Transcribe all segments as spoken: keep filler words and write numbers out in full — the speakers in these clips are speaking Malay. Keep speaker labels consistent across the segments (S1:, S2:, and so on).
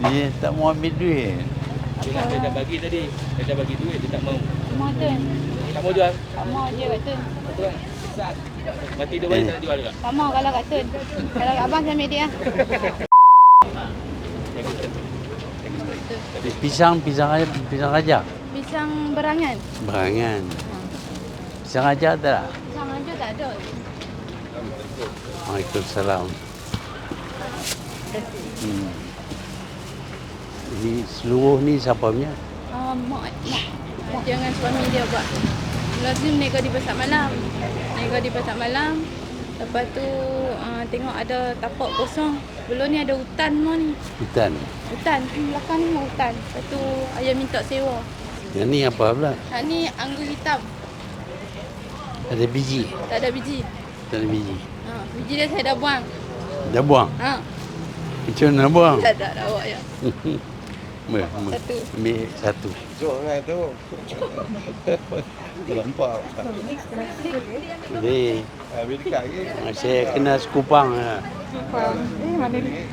S1: Dia tak mau ambil duit.
S2: Dia dah, dia dah bagi tadi. Dia dah bagi duit, dia tak mau.
S3: Mau Tun.
S2: Tak mau jual.
S3: Tak mau je kat Tun.
S2: Betul kan? Mati dia balik tak nak jual juga.
S3: Tak mau kalau kat Tun. Kalau kat abang saya ambil dia.
S1: Pisang, pisang aja, pisang aja.
S3: Pisang berangan.
S1: Berangan. Pisang aja ada tak?
S3: Pisang aja tak ada.
S1: Waalaikumsalam. Hmm. Ini seluruh ni siapa punya?
S3: Uh, mak, mak. Mak jangan suami dia buat. Lazim nego di pasar malam. Nego di pasar malam. Lepas tu uh, tengok ada tapak kosong. Belum ni ada hutan mau ni.
S1: Hutan.
S3: Hutan. Belakang ni mau hutan. Lepas tu ayah minta sewa.
S1: Yang ni apa pula?
S3: Ha, ni anggur hitam.
S1: Ada biji?
S3: Tak ada biji.
S1: Tak ada biji.
S3: Ha, biji dia saya dah buang.
S1: Dah buang?
S3: Ha.
S1: Macam mana nak buang?
S3: Tak ada, dah bawa je.
S1: Ambil, ambil.
S3: Satu.
S1: Ambil satu.
S4: Jom lah tu. Terlampau.
S1: Jadi,
S4: Habis dekat lagi.
S1: saya kena sekupang. lah.
S3: Eh, mana ni?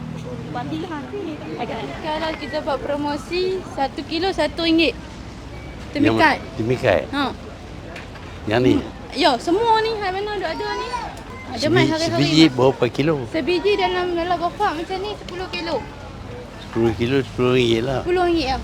S3: Kalau kita buat promosi, satu kilo satu ringgit. Temikat.
S1: Temikat.
S3: Ha.
S1: Yang ni?
S3: Ya, semua ni, hai mana ada ada ni. Ada mai
S1: Sebi-
S3: hari-hari.
S1: Sebiji berapa kilo?
S3: Sebiji dalam dalam bapak macam ni sepuluh kilo.
S1: sepuluh kilo, sepuluh ringgit lah.
S3: sepuluh ringgit lah.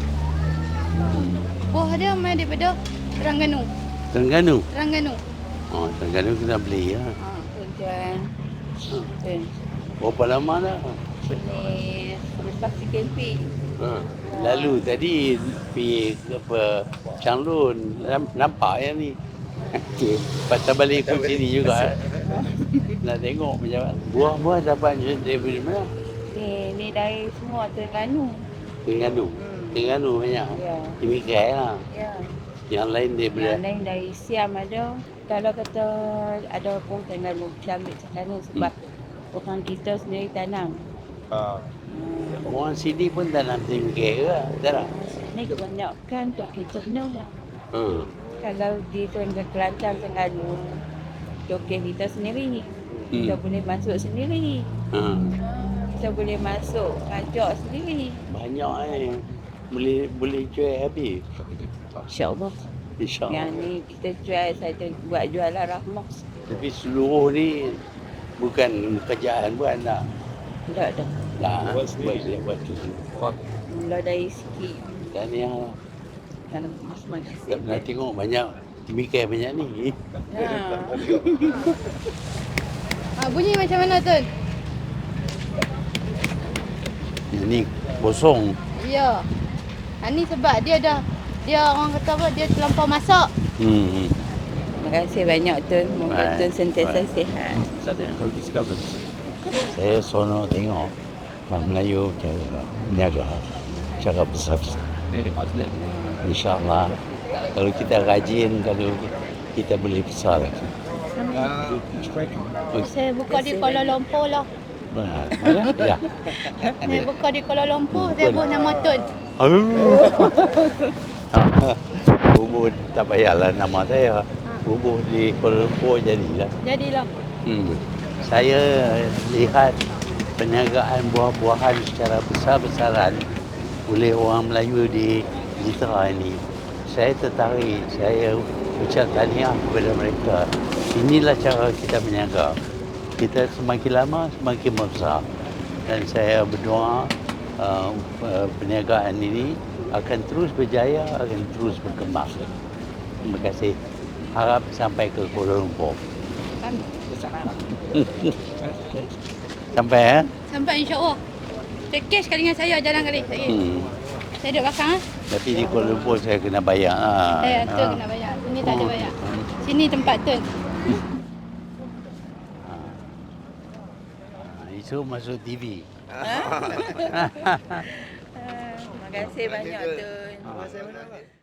S3: Buah dia mai daripada Terengganu.
S1: Terengganu?
S3: Terengganu.
S1: Oh, Terengganu kita beli lah.
S3: Ha, tuan-tuan. Tuan.
S1: Berapa lama dah?
S3: Ni lepas si camping.
S1: Ha. Lalu tadi pergi ke apa Changlun, Nam- nampak yang ni. Patah balik ke sini juga. Nak tengok macam mana. Buah-buah dapat daripada mana?
S3: Ni ni dari semua Terengganu.
S1: Terengganu. Terengganu banyak.
S3: Ya.
S1: Temikai lah.
S3: Ya.
S1: Yang lain daripada
S3: Yang lain dari Siam ada. Kalau kata ada pun Terengganu, kita ambil Terengganu sebab orang kita sendiri tanam.
S4: Ha.
S1: orang sini pun tanam temikai ke? Tak tak?
S3: Ni kebanyakan untuk kita lah.
S1: Hmm.
S3: Kalau di Terengganu Kelantan Terengganu, joget kita sendiri. Kita
S1: Hmm.
S3: boleh masuk sendiri.
S1: Ha.
S3: Kita boleh masuk kajak sendiri.
S1: Banyak eh. Boleh boleh jual habis.
S3: InsyaAllah.
S1: InsyaAllah.
S3: Yang ni kita jual, saya buat jualan rahmah.
S1: Tapi seluruh ni bukan kerjaan buat tak?
S3: Tak ada.
S1: Tak.
S4: Buat
S1: Buat
S4: sendiri.
S1: dia buat tu.
S3: Mula dari sikit.
S1: Dan yang
S3: Dalam
S1: tak pernah tengok banyak temikai banyak ni.
S3: Ha. Ha, bunyi macam mana Tun?
S1: Yang ni kosong.
S3: Ya. Ha, ni sebab dia dah, dia orang kata apa, dia terlampau masak.
S1: Hmm.
S3: Terima kasih banyak Tun. Moga
S1: Baik,
S3: Tun sentiasa
S1: baik.
S3: sihat.
S1: Saya sono tengok orang Melayu cara berniaga, cara besar-besar. InsyaAllah kalau kita rajin, kalau kita boleh besar.
S3: Saya buka di Kuala Lumpur lah.
S1: Benar. Mana? Ya.
S3: Saya buka di Kuala Lumpur, saya buat nama Tun.
S1: Bubur tak payahlah nama saya. Bubur di Kuala Lumpur jadilah.
S3: Jadilah.
S1: Hmm. Saya lihat perniagaan buah-buahan secara besar-besaran oleh orang Melayu di Jitra ini. Saya tertarik, saya ucap tahniah kepada mereka. Inilah cara kita berniaga. Kita semakin lama semakin besar. Dan saya berdoa uh, perniagaan ini akan terus berjaya, akan terus berkembang. Terima kasih. Harap sampai ke Kuala Lumpur. Sampai eh?
S3: Sampai insyaAllah. Take cash kali dengan saya, jalan kali. Saya,
S1: Hmm.
S3: saya duduk belakang. Ha?
S1: Tapi di Kuala Lumpur saya kena bayar. Ha.
S3: Saya
S1: Ha.
S3: Tun kena bayar. Sini tak ada
S1: Oh.
S3: bayar. Sini tempat Tun.
S1: Ha, itu masuk T V.
S3: Terima kasih banyak Tun.
S4: Masa mana?